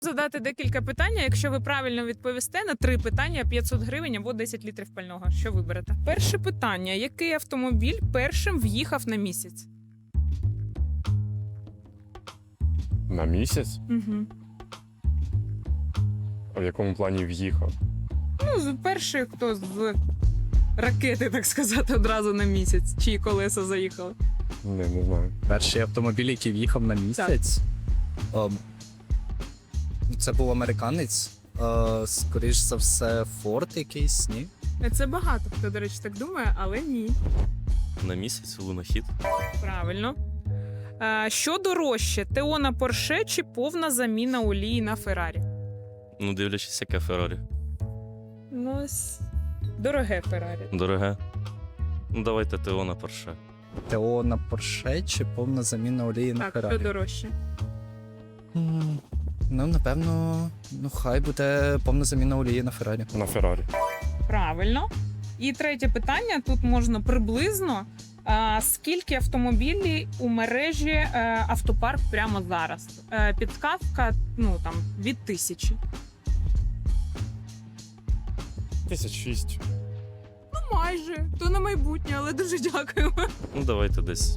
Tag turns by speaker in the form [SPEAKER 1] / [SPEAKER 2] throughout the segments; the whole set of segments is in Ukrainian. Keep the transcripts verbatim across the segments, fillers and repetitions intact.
[SPEAKER 1] Задати декілька питань. Якщо ви правильно відповісте на три питання, п'ятсот гривень або десять літрів пального. Що виберете? Перше питання: який автомобіль першим в'їхав на місяць?
[SPEAKER 2] На місяць?
[SPEAKER 1] Угу.
[SPEAKER 2] А в якому плані в'їхав?
[SPEAKER 1] Ну, з- перший, хто з ракети, так сказати, одразу на місяць. Чиї колеса заїхали?
[SPEAKER 2] Не, не знаю.
[SPEAKER 3] Перший автомобіль, який в'їхав на місяць. Ем, Це був американець. Е, Скоріш за все, Форд якийсь, ні?
[SPEAKER 1] Це багато хто, до речі, так думає, але ні.
[SPEAKER 4] На місяць лунохід.
[SPEAKER 1] Правильно. А, що дорожче: ТО на Порше чи повна заміна олії на Феррарі?
[SPEAKER 4] Ну, дивлячись, яке Феррарі.
[SPEAKER 1] Ну, ось дороге Феррарі.
[SPEAKER 4] Дороге. Ну, давайте ТО на Порше.
[SPEAKER 3] ТО на Порше чи повна заміна олії на
[SPEAKER 1] Так, що
[SPEAKER 3] Феррарі?
[SPEAKER 1] дорожче?
[SPEAKER 3] М, Ну, напевно, ну хай буде повна заміна олії на Феррарі.
[SPEAKER 2] На Феррарі.
[SPEAKER 1] Правильно. І третє питання: тут можна приблизно. А, скільки автомобілів у мережі е, автопарк прямо зараз? Е, підказка, ну там від тисячі.
[SPEAKER 2] Тисяч шість.
[SPEAKER 1] Ну, майже. То на майбутнє, але дуже дякуємо.
[SPEAKER 4] Ну, давайте десь.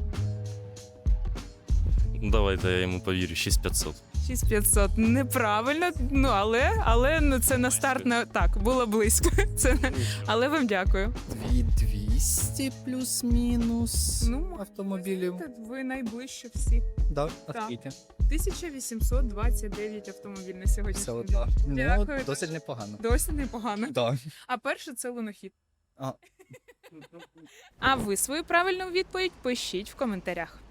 [SPEAKER 4] Ну, давайте я йому повірю, шість п'ятсот.
[SPEAKER 1] шість п'ятсот. Неправильно, ну але, але ну, це на старт не так, було близько. Це не- але вам дякую.
[SPEAKER 3] дві двісті плюс-мінус
[SPEAKER 1] Ну,
[SPEAKER 3] автомобілів.
[SPEAKER 1] Ви найближче всі.
[SPEAKER 3] Да, а
[SPEAKER 1] Так.
[SPEAKER 3] скільки?
[SPEAKER 1] тисяча вісімсот двадцять дев'ять автомобілів на
[SPEAKER 3] Все
[SPEAKER 1] сьогоднішній
[SPEAKER 3] так.
[SPEAKER 1] день.
[SPEAKER 3] Ну,
[SPEAKER 1] Дякую.
[SPEAKER 3] досить непогано.
[SPEAKER 1] Досі непогано.
[SPEAKER 3] Да.
[SPEAKER 1] А перше це лунохід.
[SPEAKER 3] А.
[SPEAKER 1] А ви свою правильну відповідь пишіть в коментарях.